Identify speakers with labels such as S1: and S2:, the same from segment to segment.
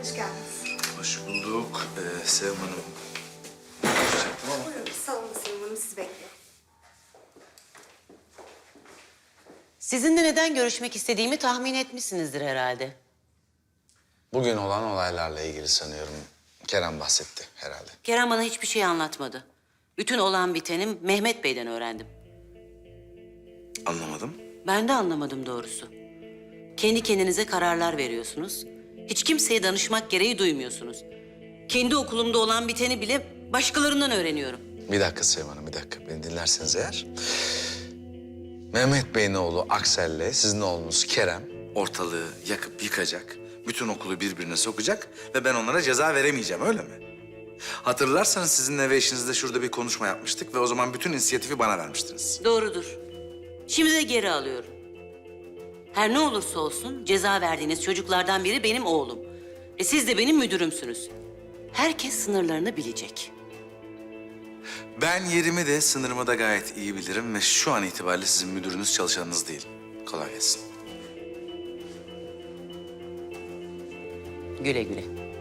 S1: Hoş geldiniz.
S2: Hoş bulduk Sevim Hanım. Konuşacaktım ama.
S1: Buyurun, salonda Sevim Hanım sizi bekliyor.
S3: Sizinle neden görüşmek istediğimi tahmin etmişsinizdir herhalde.
S2: Bugün olan olaylarla ilgili sanıyorum Kerem bahsetti herhalde.
S3: Kerem bana hiçbir şey anlatmadı. Bütün olan biteni Mehmet Bey'den öğrendim.
S2: Anlamadım.
S3: Ben de anlamadım doğrusu. Kendi kendinize kararlar veriyorsunuz. Hiç kimseye danışmak gereği duymuyorsunuz. Kendi okulumda olan biteni bile başkalarından öğreniyorum.
S2: Bir dakika Sevim Hanım, bir dakika. Beni dinlerseniz eğer. Mehmet Bey'in oğlu Aksel'le sizin oğlunuz Kerem ortalığı yakıp yıkacak. Bütün okulu birbirine sokacak ve ben onlara ceza veremeyeceğim, öyle mi? Hatırlarsanız sizinle ve eşinizle şurada bir konuşma yapmıştık ve o zaman bütün inisiyatifi bana vermiştiniz.
S3: Doğrudur. Şimdi de geri alıyorum. Her ne olursa olsun ceza verdiğiniz çocuklardan biri benim oğlum. Ve siz de benim müdürümsünüz. Herkes sınırlarını bilecek.
S2: Ben yerimi de sınırımı da gayet iyi bilirim ve şu an itibariyle sizin müdürünüz, çalışanınız değil. Kolay gelsin.
S3: Güle güle.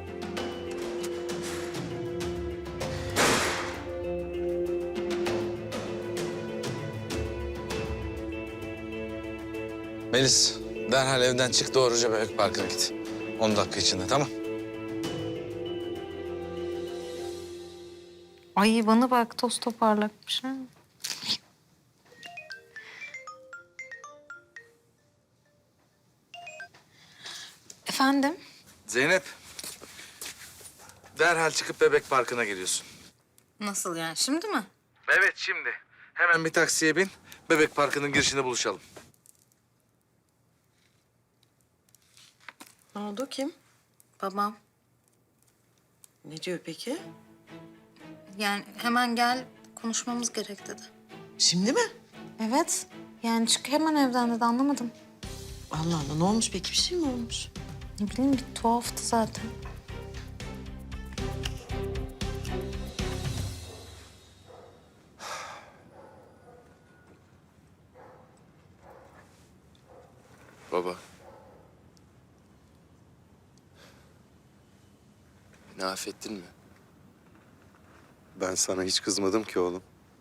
S2: Melis, derhal evden çık, doğruca Bebek Parkı'na git. 10 dakika içinde, tamam?
S4: Ay bana bak toz toparlakmış ha. Efendim?
S2: Zeynep, derhal çıkıp Bebek Parkı'na geliyorsun.
S4: Nasıl yani şimdi mi?
S2: Evet, şimdi. Hemen bir taksiye bin, Bebek Parkı'nın girişinde buluşalım.
S5: Ne oldu, kim?
S4: Babam.
S5: Ne diyor peki?
S4: Yani hemen gel konuşmamız gerek dedi.
S5: Şimdi mi?
S4: Evet. Yani çık hemen evden dedi anlamadım.
S5: Allah Allah, ne olmuş peki? Bir şey mi olmuş?
S4: Ne bileyim bir tuhaftı zaten.
S6: Baba. Beni affettin mi?
S7: Ben sana hiç kızmadım ki oğlum.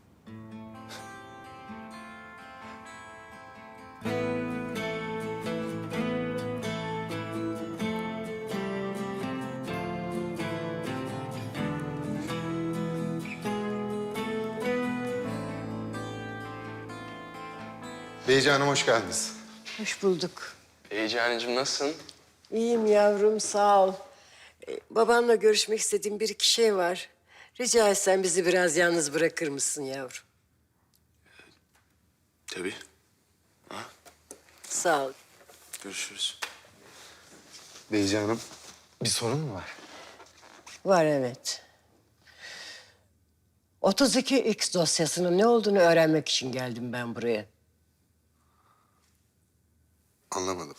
S7: Beyci Hanım hoş geldiniz.
S8: Hoş bulduk.
S6: Heyecanıcığım nasılsın?
S8: İyiyim yavrum, sağ ol. Babanla görüşmek istediğim bir iki şey var. Rica etsem bizi biraz yalnız bırakır mısın yavrum?
S6: Tabii.
S8: Sağ ol.
S6: Görüşürüz.
S7: Beyci Hanım bir sorun mu var?
S8: Var evet. 32X dosyasının ne olduğunu öğrenmek için geldim ben buraya.
S7: Anlamadım.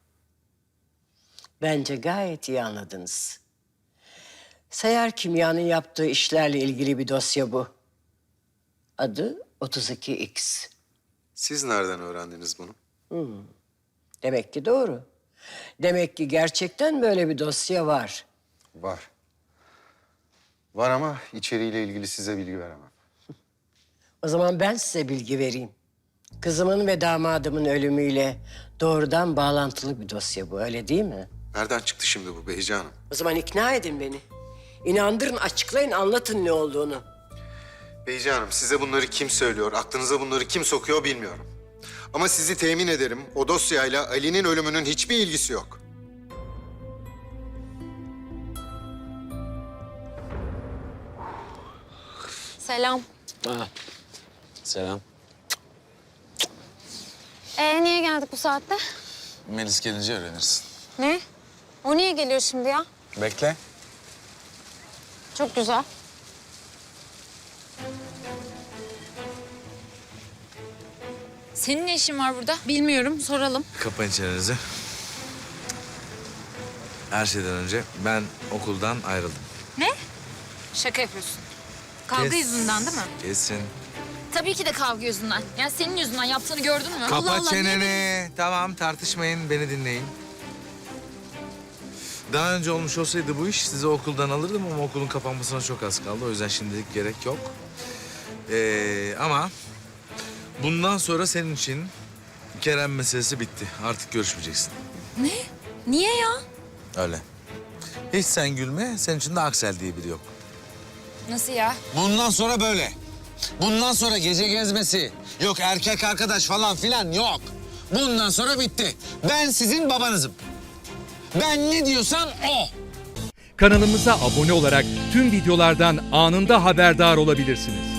S8: Bence gayet iyi anladınız. Seyyar Kimya'nın yaptığı işlerle ilgili bir dosya bu. Adı 32X.
S7: Siz nereden öğrendiniz bunu?
S8: Demek ki doğru. Demek ki gerçekten böyle bir dosya var.
S7: Var. Var ama içeriğiyle ilgili size bilgi veremem.
S8: O zaman ben size bilgi vereyim. Kızımın ve damadımın ölümüyle doğrudan bağlantılı bir dosya bu, öyle değil mi?
S7: Nereden çıktı şimdi bu Beyci Hanım?
S8: O zaman ikna edin beni. İnandırın, açıklayın, anlatın ne olduğunu.
S7: Beyci Hanım size bunları kim söylüyor, aklınıza bunları kim sokuyor bilmiyorum. Ama sizi temin ederim o dosyayla Ali'nin ölümünün hiçbir ilgisi yok.
S4: Selam.
S2: Selam.
S4: Niye geldik bu saatte?
S2: Melis gelince öğrenirsin.
S4: Ne? O niye geliyor şimdi ya?
S2: Bekle.
S4: Çok güzel. Senin ne işin var burada? Bilmiyorum, soralım.
S2: Kapayın çenenizi. Her şeyden önce ben okuldan ayrıldım.
S4: Ne? Şaka yapıyorsun. Kavga yüzünden değil mi?
S2: Kesin.
S4: Tabii ki de kavga yüzünden. Yani senin yüzünden yaptığını gördün mü?
S2: Kapa
S4: Allah Allah,
S2: çeneni. Tamam, tartışmayın, beni dinleyin. Daha önce olmuş olsaydı bu iş sizi okuldan alırdım ama okulun kapanmasına çok az kaldı. O yüzden şimdilik gerek yok. Ama bundan sonra senin için Kerem meselesi bitti. Artık görüşmeyeceksin.
S4: Ne? Niye ya?
S2: Öyle. Hiç sen gülme. Senin için de Aksel diye biri yok.
S4: Nasıl ya?
S2: Bundan sonra böyle. Bundan sonra gece gezmesi, yok erkek arkadaş falan filan yok. Bundan sonra bitti. Ben sizin babanızım. Ben ne diyorsam o.
S9: Kanalımıza abone olarak tüm videolardan anında haberdar olabilirsiniz.